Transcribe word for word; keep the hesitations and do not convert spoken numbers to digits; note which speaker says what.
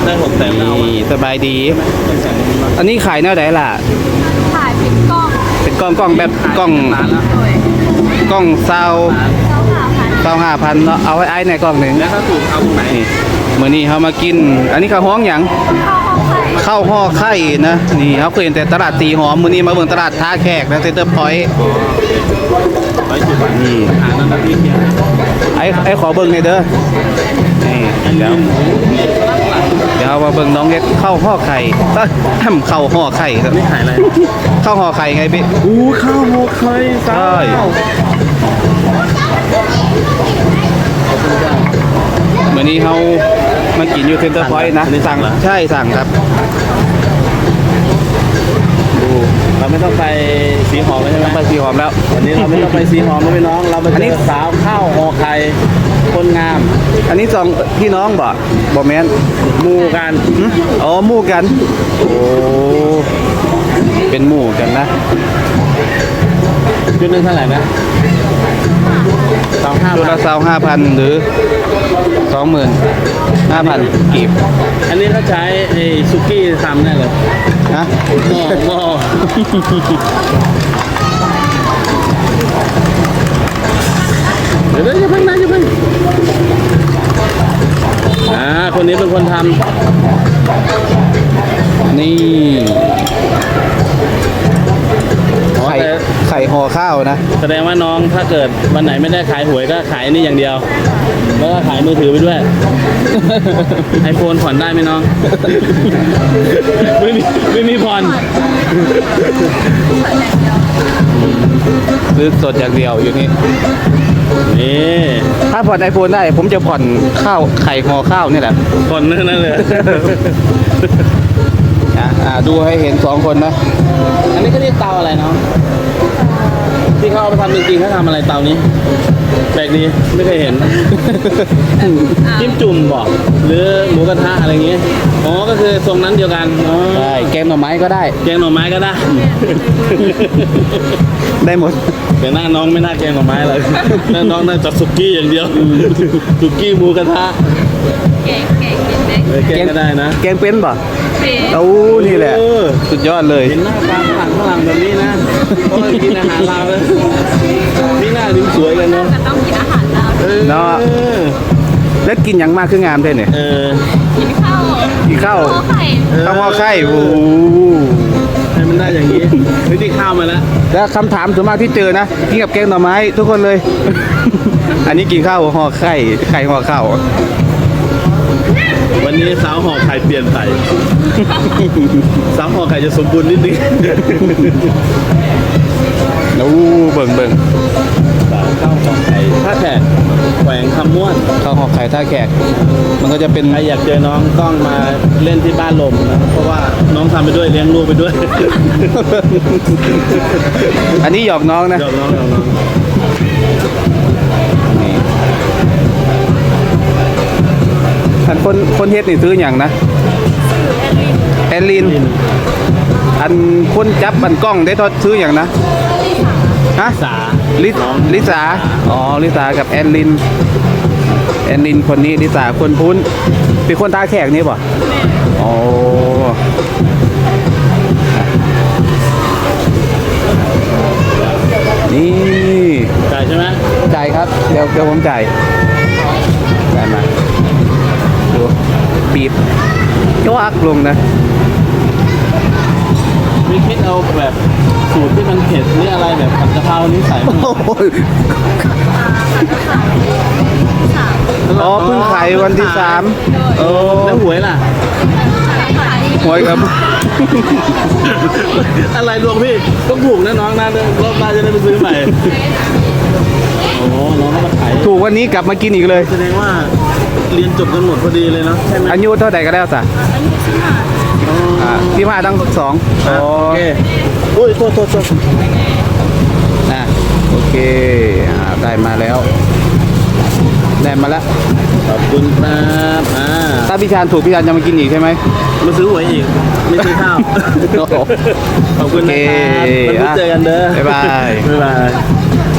Speaker 1: ได้หกแสนแล้ว
Speaker 2: นี่สบายดี อันนี้ขายแนวไหนล่ะ
Speaker 3: ขายเป็นกล้อง
Speaker 2: เป็นกล้องกล้องแบบกล้อง
Speaker 1: ร้านละ
Speaker 3: โดย
Speaker 2: กล้องซาว
Speaker 3: เจ้าหาพัน
Speaker 2: ซาวห้าพันเนาะเอาไว้ไอ้ในกล้องหนึ่ง
Speaker 1: แล้วถ้าถูกเอาตรงไหน
Speaker 2: นี่มื้อนี้เขามากิน อันนี้ข้าวห้องหยัง
Speaker 3: เข้าห้องไข่
Speaker 2: ข้าวห่อไข่นะ นี่เขาเคยเห็นแต่ตลาดตีหอมมื้อนี้มาเบิ่งตลาดท่าแขกนะเซ็นเตอร์พอยต์
Speaker 1: ร้อยสิบบาท
Speaker 2: นี่
Speaker 1: อาหารนั้นนะพี่เฮีย
Speaker 2: ไอ้ไอ้ขอเบิ่งหน่อยเด้อนี่เดี๋ยวเดี๋ยวเอามาเบิ่งน้องเฮ็ดข้าวห่อไข่เอ้ยข้าวห่อไข่ครับ
Speaker 1: นี่ขายอะไร
Speaker 2: ข้าวห่อไข่ไงพี่
Speaker 1: อู้ข้าวหมกไข่
Speaker 2: ใช่ มื้อนี้เขามากินอยู่เซ็นเตอร์พอยต์นะสั่งใช่สั่งครับดู
Speaker 1: เราไม่ต้องไปสีหอมแล้วใช่ไหม
Speaker 2: ไปสีหอมแล้ว
Speaker 1: วันนี้เราไม่ต้องไปสีหอมแล้วพี่น้อง เรามา
Speaker 2: อัน
Speaker 1: เจ
Speaker 2: นี้
Speaker 1: อสาวข้าวห่อไข่คนงาม
Speaker 2: อันนี้สองพี่น้องบ่บ่แม่น
Speaker 1: หมู่กัน
Speaker 2: หึอ๋อหมู่กัน โอ้เป็นหมู่กันนะ
Speaker 1: ชุดหนึงเท่าไหร่นะสองห้า
Speaker 2: ตัว
Speaker 1: บา
Speaker 2: ละ
Speaker 1: ท
Speaker 2: สาวห้าพันหรือสองหมื่นห้าพันกีบ
Speaker 1: อันนี้เขาใช้ไอ้ซุกี้ทำแน่เลย
Speaker 2: นะ
Speaker 1: หม้อหม้อเดี๋ยวเดี๋ยวอย่าเพิ่งนะอย่าเพิ่งอ่าคนนี้เป็นคนท
Speaker 2: นี่
Speaker 1: ำอ๋อ
Speaker 2: ไข่
Speaker 1: แต่
Speaker 2: ไข่ห่อข้าวนะ
Speaker 1: แสดงว่าน้องถ้าเกิดวันไหนไม่ได้ขายหวยก็ขายอันนี่อย่างเดียว แล้วก็ขายมือถือไปด้วยไอโฟนผ่อนได้ไหมน้อง ไม่มีไม่มีผ่อน
Speaker 2: ซื้อสดอย่างเดียวอยู่นี่
Speaker 1: นี่
Speaker 2: ถ้าผ่อนไอโฟนได้ ผมจะผ่อนข้าวไข่ห่อข้าวนี่แหละ
Speaker 1: ผ่อนนั่นเลย
Speaker 2: อ่ะอ่ะดูให้เห็นสองคนนะ
Speaker 1: อันนี้ก็เรียกเตาอะไรน้องที่เขาเอาไปทำจริงๆเขาทำอะไรเตานี้แปลกดีไม่เคยเห็น จิ้มจุ่มบอกหรือหมูกระทะอะไรอย่างเงี้ยอ๋อก็คือทรงนั้นเดียวกันอ๋อ
Speaker 2: ได้แกงหน่อไม้ก็ได้
Speaker 1: แกงหน่อไม้ก็ได้
Speaker 2: ได้หมด
Speaker 1: แต่หน้าน้องไม่น่าแกงหน่อไม้เลยหน้าน้องน่าจะสุกี้อย่างเดียวสุกี้หมูกระทะ
Speaker 3: แกงแกงแกงแกง
Speaker 1: เออแกงก็ได้นะ
Speaker 2: แกงเป็นป่ะ
Speaker 3: เป็น
Speaker 2: โอ้นี่แหละ
Speaker 1: เออ
Speaker 2: สุดยอดเลย
Speaker 1: เห็นหน้าตาฝรั่งฝรั่งแบบนี้นะก็มากินอาหารลาวเลยนี่หน้าถึงสวยกันเนาะ
Speaker 3: ก็ต้องกินอาหารลาว
Speaker 1: เออ
Speaker 2: เนาะ แล้วกินอย่างมากคืองามได้เนี่ย
Speaker 1: เออ
Speaker 3: กินข้าว
Speaker 2: กินข้าว
Speaker 3: ข้าวไข่
Speaker 2: ข้าวห่อไข่โอ้
Speaker 1: ให้มันได้อย่างนี้ไม่ได้ข้าวมาแล้ว
Speaker 2: แล้วคำถามส่วนมากที่เจอนะกินกับแกงหน่อไม้ทุกคนเลย อันนี้กินข้าวห่อไข่ไข่ห่อข้าว
Speaker 1: วันนี้สาวห่อไข่เปลี่ยนไปสาวห่อไข่จะสมบูรณ์นิดนึง
Speaker 2: แล้วเบิ่งเบิ่ง
Speaker 1: สาวข้าวห่อไข่ถ้าแขกแขวงคำม่วน
Speaker 2: ข้าวห่อไข่ท่าแขก มันก็จะเป็น
Speaker 1: ใครอยากเจอน้องต้องมาเล่นที่บ้านลมนะเพราะว่าน้องทำไปด้วยเลี้ยงลูกไปด้วย
Speaker 2: อันนี้หยอกน้องนะ
Speaker 1: ยอมน้องยอมน้อง
Speaker 2: นี่อันคนคนเฮ็ดนี่ซื้ออย่างนะแอลลิน อันคนจับบันกล้องได้ทอดซื้ออย่างนะฮะ
Speaker 1: สา
Speaker 2: ลิ
Speaker 1: น้อง
Speaker 2: ลิสาอ๋อลิสากับแอนลินแอนลินคนนี้ลิสาคนพุ้นเป็นคนท่าแขกนี่ป่ะอ๋อนี่
Speaker 1: จ่ายใช่ไหม
Speaker 2: จ่ายครับเดี๋ยวเดี๋ยวผมจ่ายจ่ายมาดูปีบจ้วักลงนะ
Speaker 1: มีคิดเอาแบบสูตรที่มันเผ็ดนี่อะไรแบบผัดกะเพรานี่ใส่ไหม
Speaker 2: โอ้ยอ๋อเพิ่งขายวันที่สามโอ้
Speaker 1: แล้วหวยล่ะ
Speaker 2: หวยครับ
Speaker 1: อะไรลวงพี่ต้องถูกนะน้องนะรอบหน้าจะได้ไปซื้อใหม่โอ้น้องก็มาขาย
Speaker 2: ถูกวันนี้กลับมากินอีกเลย
Speaker 1: แสดงว่าเรียนจบกันหมดพอดีเลยเนาะใช่ไหม
Speaker 2: อายุเท่าไหร่ก็แล้วสะอ่าพี่มาทั้งสอง
Speaker 1: อ่ะโอเคโอ้ยโทษโทษโทษ
Speaker 2: นะโอเคอ่าได้มาแล้ว ได้มาแล้ว
Speaker 1: ขอบคุณครับอ่า
Speaker 2: ถ้าพี่ชานถูกพี่ชานจะมากินอีกใช่ไหม
Speaker 1: มาซื้อหวยอีกไม่ซื้อข้าว
Speaker 2: โอ้โห
Speaker 1: ขอบคุณนะครับ
Speaker 2: โอเค
Speaker 1: มันเจอกันเด้อ
Speaker 2: บ๊ายบาย
Speaker 1: บ๊ายบาย